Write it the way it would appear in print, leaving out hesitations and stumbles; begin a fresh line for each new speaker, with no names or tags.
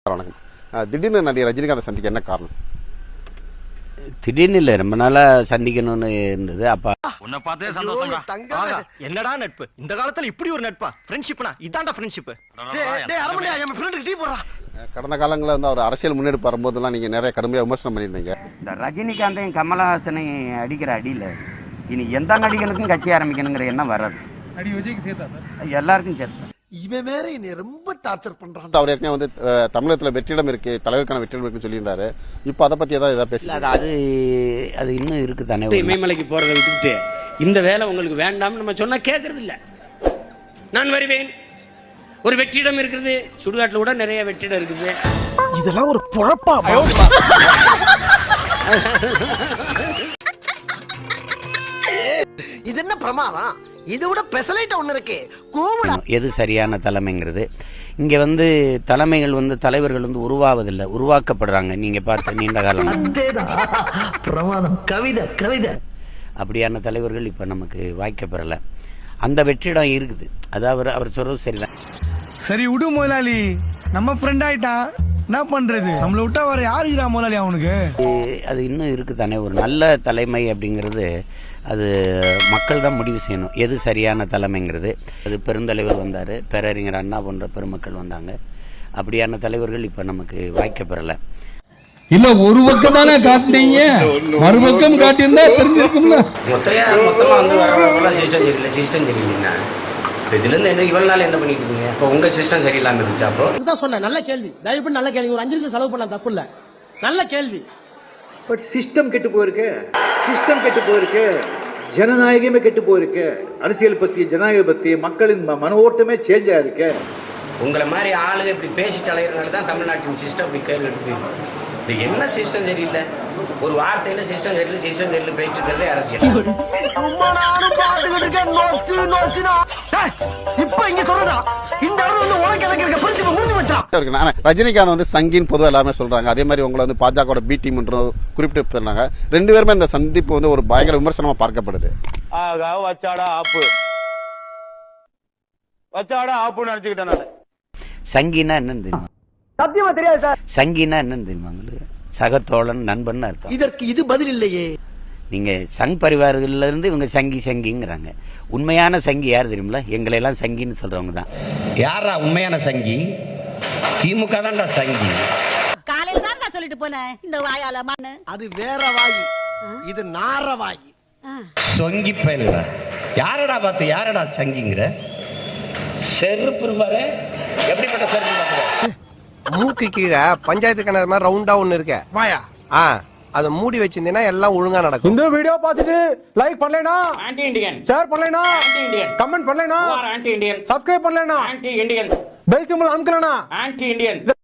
வணக்கம். திடீர்னு நடிகர் ரஜினிகாந்த் சந்திக்க என்ன காரணம்?
திடீர்னு இல்ல, ரொம்ப நாளா சந்திக்கணும்னு இருந்தது. அப்ப
உன்னை பார்த்தே சந்தோஷம்டா. என்னடா நட்பு இந்த காலத்துல இப்படி ஒரு நட்பா? ஃப்ரெண்ட்ஷிப்னா இதான்டா ஃப்ரெண்ட்ஷிப். டேய் அரமணி என் ஃப்ரெண்டுக்கு டீ போடுறா.
கடந்த காலங்களில் வந்து அவர் அரசியல் முன்னெடுப்பு வரும்போதெல்லாம் நீங்க நிறைய கடுமையாக விமர்சனம் பண்ணியிருந்தீங்க.
இந்த ரஜினிகாந்தையும் கமலஹாசனையும் அடிக்கிற அடியில் இனி எந்த நடிகனுக்கும் கட்சி ஆரம்பிக்கணுங்கிற எண்ணம் வராது. எல்லாருக்கும் சேர்த்து
இவன் வேற என்னை ரொம்ப டார்ச்சர் பண்றான்.
அவர் ஏற்கனவே வந்து தமிழகத்துல வெற்றிடம் இருக்கு, தலைவருக்கான வெற்றிடம் இருக்குன்னு சொல்லியிருந்தாரு. இப்போ அதை பத்தி ஏதாவது பேசல?
அது இன்னும் இருக்கு தானே.
இமயமலைக்கு போறதை விட்டுட்டு இந்த வேலை உங்களுக்கு வேண்டாம்னு நம்ம சொன்னா கேட்கறது இல்ல. நான் வருவேன். ஒரு வெற்றிடம் இருக்குது, சுடுகாட்டில் கூட நிறைய வெற்றிடம் இருக்குது.
இதெல்லாம் ஒரு பொழப்பா? இது என்ன பிரமாதம்? இது விட பெசலைட் ஒண்ணு இருக்கு.
எது சரியான தலைமைங்கிறது இங்க வந்து தலைமைகள் வந்து தலைவர்கள் வந்து உருவாவதில்லை, உருவாக்கப்படுறாங்க. நீங்க பார்த்து நீண்ட காலம்
பிரமாதம். கவிதை கவிதை
அப்படியான தலைவர்கள் இப்ப நமக்கு வாய்க்கப்பெறல. அந்த வெற்றிடம் இருக்குது. அதாவது அவர் சொல்றது சரிதான்.
சரி விடு முதலாளி, நம்ம ஃப்ரெண்ட் ஆயிட்டா என்ன பண்றது? நம்மள விட்டா வர யாருக்குறா முதலாளி அவனுக்கு?
அது இன்னும் இருக்கு தானே. ஒரு நல்ல தலைமை அப்படிங்கிறது அது மக்கள் தான் முடிவு செய்யணும், எது சரியான தலைமைங்கிறது. அது பெருந்தலைவர் வந்தார், பேரறிஞர் அண்ணா போன்ற பெருமக்கள் வந்தாங்க. அப்படியான தலைவர்கள் இப்போ நமக்கு வாய்க்கப்பெறல.
இல்ல ஒரு பக்கம் தானே காட்டுனீங்க, மறுபக்கம் காட்டியிருந்தா தெரிஞ்சிருக்கும்ல.
மொத்தமா வந்து வரவங்களாம் சிஸ்டம் சரியில்லை, சிஸ்டம் சரியில்லைன்னா இதுல இருந்து என்ன இவ்வளவு நாள் என்ன பண்ணிட்டு இருக்கீங்க? இப்போ உங்க சிஸ்டம் சரியில்லாம இருந்துச்சா? அப்போ
இதுதான் சொன்னேன். நல்ல கேள்வி, தயவுபடி நல்ல கேள்வி. ஒரு 5 நிமிஷம் செலவு பண்ணலாம், தப்பு இல்ல. நல்ல கேள்வி.
பட் சிஸ்டம் கெட்டு போயிருக்கு. சிஸ்டம் கெட்டு போயிருக்கு. ஜனநாயகமே கெட்டு போயிருக்கு. அரசியல் பத்தி, ஜனநாயக பத்தி மக்களின் மன ஓட்டமே சேஞ்ச் ஆயிருக்கு.
உங்களை மாதிரி ஆளுங்க இப்படி பேசிட்டு அலைகிறனால தான் தமிழ்நாட்டின் சிஸ்டம் இப்படி கேள்வி கெட்டு போயிருக்கு. இது என்ன சிஸ்டம் சரியில்லை? ஒரு வார்த்தையில சிஸ்டம் சரியில்லை, சிஸ்டம் சரியில்லை போயிட்டு இருக்கிறதே அரசியல்.
ரஜினிகாந்த் வந்து சங்கின்னு பொதுவாக எல்லாருமே சொல்றாங்க. அதே மாதிரி உங்களை வந்து பாஜக பி டீம் குறிப்பிட்டு சொன்னாங்க. 2 பேருமே இந்த சந்திப்பு வந்து ஒரு பயங்கர விமர்சனமா பார்க்கப்படுது.
வச்சாடா ஆப்பு, வச்சாடா ஆப்புன்னு நினைச்சுக்கிட்டேன் நான்.
சங்கினா என்னன்னு தெரியுமா?
சத்தியமா தெரியாது சார்.
சங்கினா என்னன்னு தெரியுமா உங்களுக்கு? சகத்தோழன், நண்பன் அர்த்தம்.
இதற்கு இது பதில் இல்லையே.
நீங்க சங் பரிவார்கள்ல இருந்து இவங்க சங்கி சங்கிங்கிறாங்க. உண்மையான சங்கி யார் தெரியுமில? எங்களை எல்லாம் சங்கின்னு சொல்றவங்க தான்.
யாரா உண்மையான சங்கி? திமுக தான்டா சங்கி.
காலையில தான் நான் சொல்லிட்டு போனேன் இந்த வாயால மண்ணு.
அது வேற வாயி, இது நார வாயி.
சொங்கி பயலுடா. யாரடா பார்த்து யாரடா சங்கிங்கிற? செருப்பு பாரு, எப்படிப்பட்ட செருப்பு பாரு.
மூக்கு கீழே பஞ்சாயத்து கிணறு மாதிரி ரவுண்டா ஒண்ணு இருக்க வாயா. அதை மூடி வச்சிருந்தீங்கன்னா எல்லாம் ஒழுங்கா நடக்கும்.
இந்த வீடியோ பார்த்துட்டு லைக் பண்ணலைனா ஆன்டி இண்டியன், ஷேர் பண்ணலைனா ஆன்டி இண்டியன், கமெண்ட் பண்ணலைனா ஆன்டி இண்டியன், சப்ஸ்கிரைப் பண்ணலைனா ஆன்டி இண்டியன், பெல் சிம்பல் அமுக்கலைனா ஆன்டி இண்டியன்.